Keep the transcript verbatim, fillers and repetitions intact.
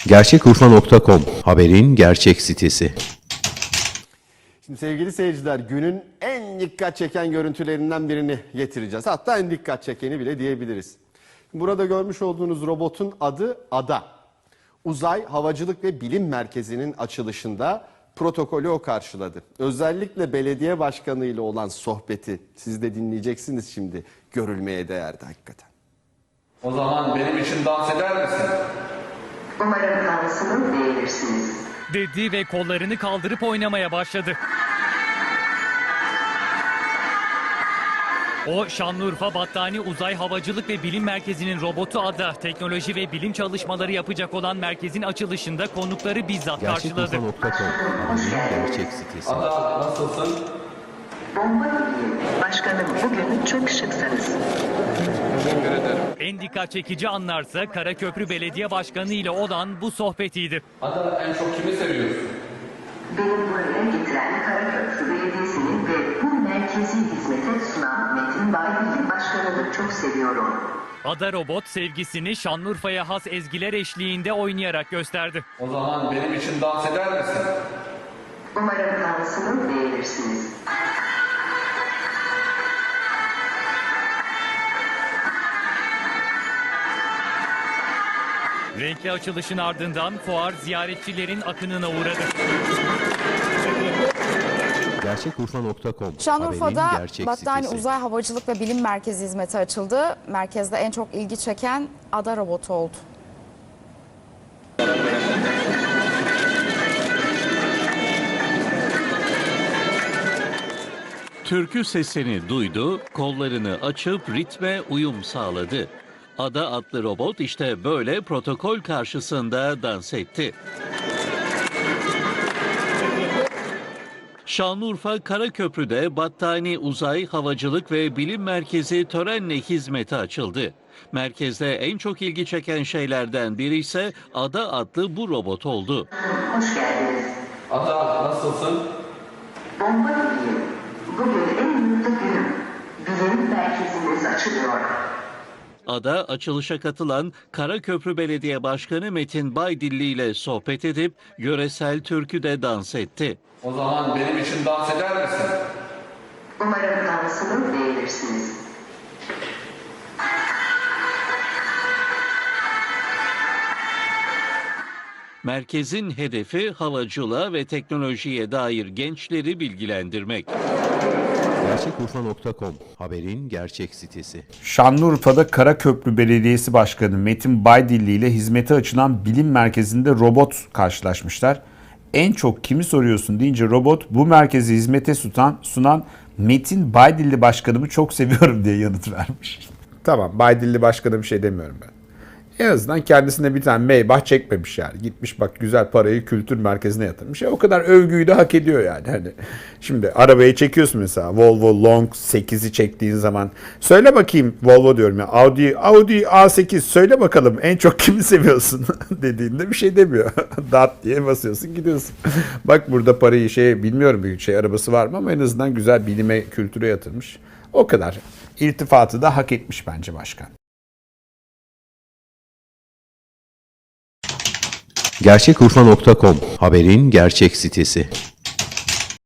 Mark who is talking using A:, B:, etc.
A: Gerçekurfa nokta com haberin gerçek sitesi.
B: Şimdi sevgili seyirciler, günün en dikkat çeken görüntülerinden birini getireceğiz. Hatta en dikkat çekeni bile diyebiliriz. Burada görmüş olduğunuz robotun adı Ada. Uzay Havacılık ve Bilim Merkezi'nin açılışında protokolü o karşıladı. Özellikle belediye başkanı ile olan sohbeti siz de dinleyeceksiniz şimdi. Görülmeye değerdi hakikaten.
C: O zaman benim için dans eder misin?
D: Umarım dansını beğenirsiniz.
E: Dedi ve kollarını kaldırıp oynamaya başladı. O, Şanlıurfa Battani Uzay Havacılık ve Bilim Merkezi'nin robotu Ada, teknoloji ve bilim çalışmaları yapacak olan merkezin açılışında konukları bizzat karşıladı.
A: Gerçekurfa nokta com haberin gerçek sitesi.
C: Ada nasılsın?
D: Bomba gibiyim. Başkanım, bugün çok şıksınız.
C: Teşekkür ederim.
E: En dikkat çekici anlarsa Karaköprü Belediye Başkanı ile olan bu sohbetiydi.
C: Ada en çok kimi seviyorsun?
D: Beni buraya getiren Karaköprü Belediyesi'ni ve bu merkezi hizmete sunan Metin Baybilgi Başkanı'nı çok seviyorum.
E: Ada robot sevgisini Şanlıurfa'ya has ezgiler eşliğinde oynayarak gösterdi.
C: O zaman benim için dans eder misin?
D: Umarım dansını beğenirsiniz.
E: Renkli açılışın ardından fuar ziyaretçilerin akınına uğradı.
A: Gerçekurfa nokta com
F: Şanlıurfa'da
A: haberin gerçek
F: Battani
A: sitesi.
F: Uzay Havacılık ve Bilim Merkezi hizmeti açıldı. Merkezde en çok ilgi çeken Ada robotu oldu.
G: Türkü sesini duydu, kollarını açıp ritme uyum sağladı. Ada adlı robot işte böyle protokol karşısında dans etti. Şanlıurfa Karaköprü'de Battani Uzay Havacılık ve Bilim Merkezi törenle hizmete açıldı. Merkezde en çok ilgi çeken şeylerden biri ise Ada adlı bu robot oldu.
D: Hoş geldiniz.
C: Ada nasılsın?
D: Bomba gibiyim. Bugün en mutlu günüm. Bilim merkezimiz açılıyor.
G: Ada açılışa katılan Karaköprü Belediye Başkanı Metin Baydilli ile sohbet edip yöresel türküde dans etti.
C: O zaman benim için dans eder misin?
D: Umarım dansını beğenirsiniz.
G: Merkezin hedefi havacılığa ve teknolojiye dair gençleri bilgilendirmek.
A: Gerçekurfa nokta com haberin gerçek sitesi.
H: Şanlıurfa'da Karaköprü Belediyesi Başkanı Metin Baydilli ile hizmete açılan bilim merkezinde robot karşılaşmışlar. En çok kimi soruyorsun deyince robot bu merkezi hizmete sunan, sunan Metin Baydilli Başkanımı çok seviyorum diye yanıt vermiş. Tamam, Baydilli Başkan'a bir şey demiyorum ben. En azından kendisine bir tane Maybach çekmemiş yani. Gitmiş bak güzel parayı kültür merkezine yatırmış. E, o kadar övgüyü de hak ediyor yani. Hani şimdi arabayı çekiyorsun mesela. Volvo Long sekizi çektiğin zaman. Söyle bakayım Volvo diyorum ya. Audi, Audi A sekiz söyle bakalım en çok kimi seviyorsun dediğinde bir şey demiyor. Dat diye basıyorsun gidiyorsun. Bak burada parayı şey bilmiyorum büyük şey arabası var mı ama en azından güzel bilime kültüre yatırmış. O kadar. İltifatı da hak etmiş bence başkan.
A: Gerçekurfa nokta com haberin gerçek sitesi.